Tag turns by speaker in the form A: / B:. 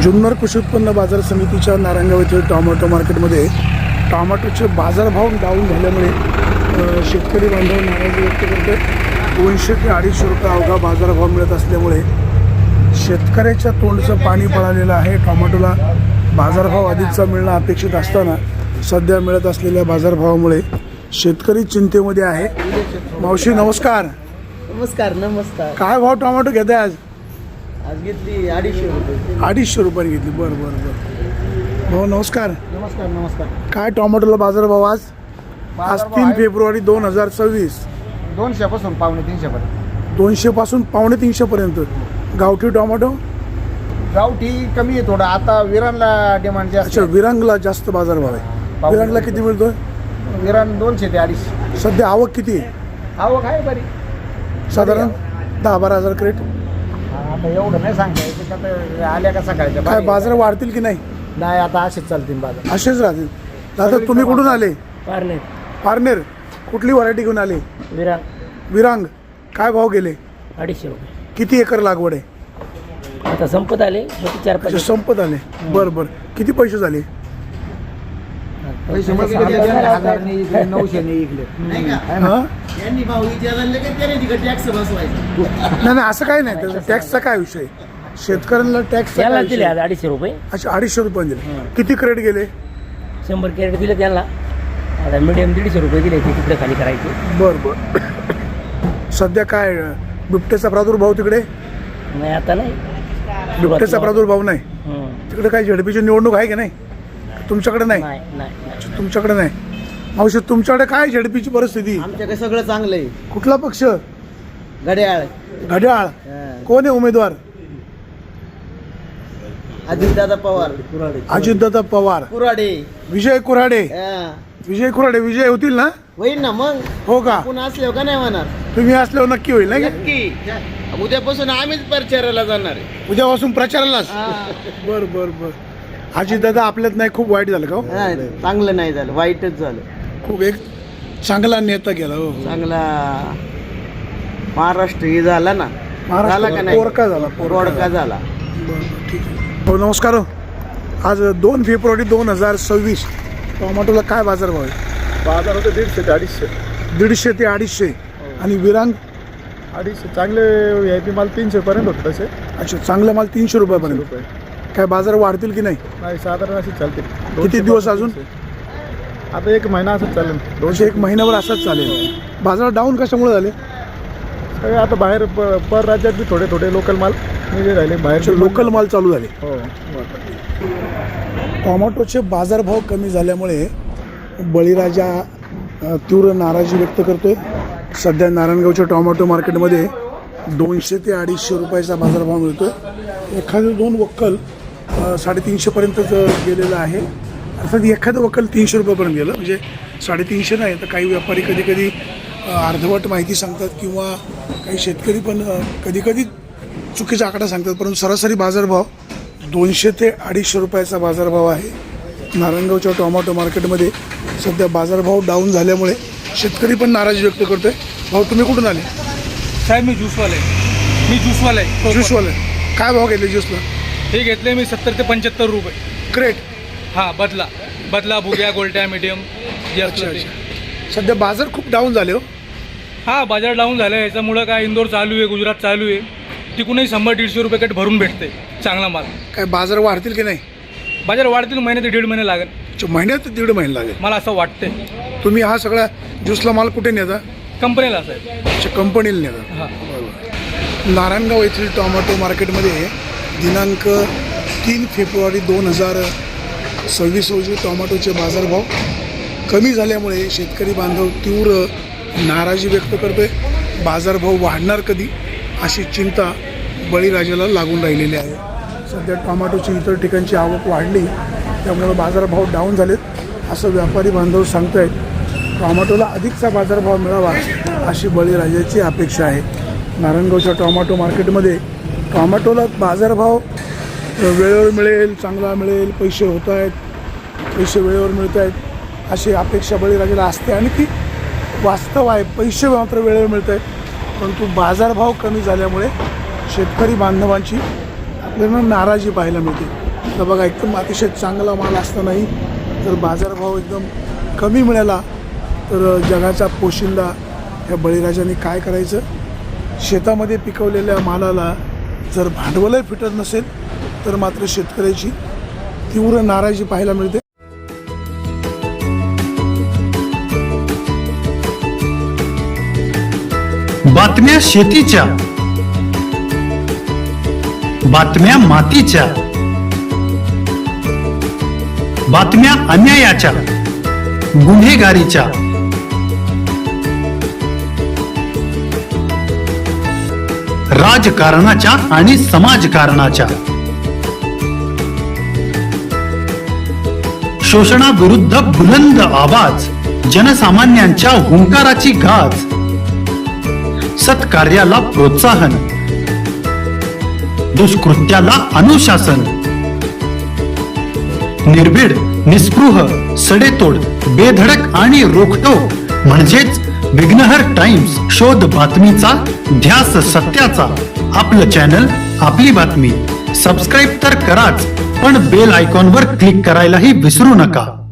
A: जुन्नर कृषी उत्पन्न बाजार समितीच्या नारायणगाव येथील टोमॅटो मार्केटमध्ये टोमॅटोचे बाजारभाव डाऊन झाल्यामुळे शेतकरी बांधव नाराजी व्यक्त करते. 200 ते 250 रुपये अवघा बाजारभाव मिळत असल्यामुळे शेतकऱ्याच्या तोंडचं पाणी पळालेलं आहे. टोमॅटोला बाजारभाव अधिकचा मिळणं अपेक्षित असताना सध्या मिळत असलेल्या बाजारभावामुळे शेतकरी चिंतेमध्ये आहे. मावशी नमस्कार.
B: नमस्कार. नमस्कार.
A: काय भाव टोमॅटो घेताय आज?
B: आज घेतली 250 रुपये.
A: 250 रुपये घेतली. बरं बरं बरं. भाऊ नमस्कार.
B: नमस्कार. नमस्कार.
A: काय टोमॅटोला बाजारभाव आज? आज 3 फेब्रुवारी 2024.
B: 200 पासून 250 पर्यंत.
A: 200 पासून 250 पर्यंत. गावठी टोमॅटो
B: गावठी कमी आहे थोडं. आता विरानला डिमांड जास्त.
A: अच्छा, विरांगला जास्त बाजारभाव आहे. विरांगला किती मिळतोय?
B: विरान 200 ते 250.
A: सध्या आवक किती आहे?
B: आवक आहे बरी.
A: साधारण 10-12 हजार क्रेट.
B: आता एवढं नाही सांगता येत. आता आल्या का सकाळच्या
A: काय बाजार वाढतील की नाही?
B: नाही, आता असेच चालतील बाजार.
A: असेच राहतील. दादा तुम्ही कुठून आले?
B: पारणे.
A: पारनेर. कुठली व्हरायटी घेऊन आले?
B: विरान.
A: विरांग. काय भाव गेले?
B: 250 रुपये.
A: किती एकर लागवड आहे?
B: आता संपत आले. 4-5
A: अच्छा, संपत आले. बरं बरं. किती पैसे झाले?
B: पैसे 900 इकले.
A: हां, नाही असं काही नाही. त्याचा टॅक्सचा काय विषय? शेतकऱ्यांना टॅक्स
B: त्याला दिले आज 250 रुपये.
A: अच्छा, 250 रुपये दिले. किती क्रेट गेले?
B: 100 कॅरेट दिले त्याला. आता मीडियम 150 रुपये दिले. ते तिकडे खाली करायचे.
A: बरं बरं. सध्या काय बिबट्याचा प्रादुर्भाव तिकडे?
B: नाही, आता नाही.
A: बिबट्याचा प्रादुर्भाव नाही तिकडे. काय झडपीची निवडणूक आहे की नाही? तुमच्याकडे नाही?
B: नाही.
A: तुमच्याकडे नाही. मावशी तुमच्याकडे काय झडपीची परिस्थिती?
B: आमच्याकडे सगळं चांगलं आहे.
A: कुठला पक्ष?
B: घड्याळ.
A: घड्याळ. कोण आहे उमेदवार?
B: अजितदादा पवार.
A: अजितदादा पवार.
B: कुराडे.
A: विजय कुऱ्हाडे. विजय कुऱ्हाडे विजय होतील ना?
B: होईल ना मग.
A: हो का?
B: पुन्हा असल्यावर का नाही होणार?
A: तुम्ही असल्यावर नक्की होईल नाही?
B: नक्की. उद्यापासून आम्हीच प्रचाराला जाणार आहे.
A: उद्यापासून प्रचारालाच? बर बर बर. अजितदादा आपल्यात नाही. खूप वाईट झालं का?
B: चांगलं नाही झालं, वाईटच झालं.
A: खूप एक चांगला नेता गेला. हो
B: चांगला महाराष्ट्र हे झाला ना. झाला का नाही?
A: पोरका झाला.
B: पोरका झाला.
A: बरं ठीक आहे. हो नमस्कार. आज 2 फेब्रुवारी 2026. टोमॅटोला काय बाजारभाव आहे?
C: बाजार होते 150 ते 250.
A: 150 ते 250. आणि विरांग?
C: 250. चांगले VIP माल 300 पर्यंत होते तसे.
A: अच्छा, चांगला माल 300 रुपयापर्यंत. काय बाजार वाढतील की नाही?
C: नाही, साधारण असेच चालते.
A: किती दिवस अजून?
C: आता 1 महिना असंच चालेल.
A: 1 महिन्यावर असाच चालेल. बाजार डाऊन कशामुळे झाले?
C: सगळे आता बाहेर पर राज्यात बी थोडे थोडे लोकल माल निघे राहिले. बाहेरचे
A: लोकल माल चालू झाले.
C: हो.
A: टोमॅटोचे बाजारभाव कमी झाल्यामुळे बळीराजा तीव्र नाराजी व्यक्त करतोय. सध्या नारायणगावच्या टोमॅटो मार्केटमध्ये 200 ते 250 रुपयाचा बाजारभाव मिळतोय. एखादे 2 वक्कल 350 पर्यंतच गेलेलं आहे. अर्थात एखादं वक्कल 300 रुपयापर्यंत गेलं म्हणजे 350 नाही. तर काही व्यापारी कधी कधी अर्धवट माहिती सांगतात किंवा काही शेतकरी पण कधी कधी चुकीचा आकडा सांगतात. परंतु सरासरी बाजारभाव 200 ते 250 रुपयाचा बाजारभाव आहे. नारायणगावच्या टोमॅटो मार्केटमध्ये सध्या बाजारभाव डाऊन झाल्यामुळे शेतकरी पण नाराजी व्यक्त करतोय. भाऊ तुम्ही कुठून आले?
D: साहेब मी ज्यूसवाला आहे.
A: ज्यूसवाले. काय भाव घेतले ज्यूसला?
D: हे घेतले मी 70 ते 75 रुपये
A: क्रेट.
D: हां, बदला भुग्या गोल्ट्या मीडियम.
A: अच्छा. सध्या बाजार खूप डाऊन झाले. हो
D: हां, बाजार डाऊन झाला. याच्यामुळं काय इंदोर चालू आहे, गुजरात चालू आहे. तिकूनही 100-150 रुपये कट भरून भेटते चांगला माल.
A: काय बाजार वाढतील की नाही?
D: बाजार वाढतील. महिने ते 1.5 महिने लागेल.
A: महिन्यात 1.5 महिने लागेल.
D: मला असं वाटतंय.
A: तुम्ही हा सगळा ज्यूसला माल कुठे नेता?
D: कंपनीला साहेब.
A: अच्छा, कंपनीला नेता.
D: हां.
A: बरोबर. नारायणगाव येथील टोमॅटो मार्केटमध्ये दिनांक 3 फेब्रुवारी 2026 रोजी टोमॅटोचे बाजारभाव कमी झाल्यामुळे शेतकरी बांधव तीव्र नाराजी व्यक्त करतोय. बाजारभाव वाढणार कधी अशी चिंता बळीराजाला लागून राहिलेली आहे. सध्या टोमॅटोची इतर ठिकाणची आवक वाढली त्यामुळे बाजारभाव डाऊन झालेत असं व्यापारी बांधव सांगत आहेत. टोमॅटोला अधिकचा बाजारभाव मिळावा अशी बळीराजाची अपेक्षा आहे. नारायणगावच्या टोमॅटो मार्केटमध्ये टोमॅटोला बाजारभाव वेळेवर मिळेल, चांगला मिळेल, पैसे होत आहेत, पैसे वेळेवर मिळत आहेत अशी अपेक्षा बळीराजाला असते आणि ती वास्तव आहे. पैसे मात्र वेळेवर मिळत आहेत परंतु बाजारभाव कमी झाल्यामुळे शेतकरी बांधवांची आपल्याला नाराजी पाहायला मिळते. तर बघा एकदम अतिशय चांगला माल असतानाही जर बाजारभाव एकदम कमी मिळाला तर जगाचा पोशिंदा या बळीराजाने काय करायचं. शेतामध्ये पिकवलेल्या मालाला जर भांडवलही फिटत नसेल तर मात्र शेतकऱ्याची तीव्र नाराजी पाहायला मिळते.
E: बातम्या शेतीच्या, बातम्या मातीच्या, बातम्या अन्यायाच्या, गुन्हेगारीच्या, राजकारणाच्या आणि समाजकारणाच्या, शोषणाविरुद्ध बुलंद आवाज, जनसामान्यांच्या हुंकाराची गाज, सत्कार्याला प्रोत्साहन, दुष्कृत्याला अनुशासन, निर्भीड, निस्पृह, सडेतोड, बेधडक आणि रोखटोक म्हणजेच विघ्नहर टाइम्स. शोध बातमीचा, ध्यास सत्याचा. आपलं चॅनल, आपली बातमी. सबस्क्राईब तर कराच, पण बेल आयकॉनवर क्लिक करायलाही विसरू नका.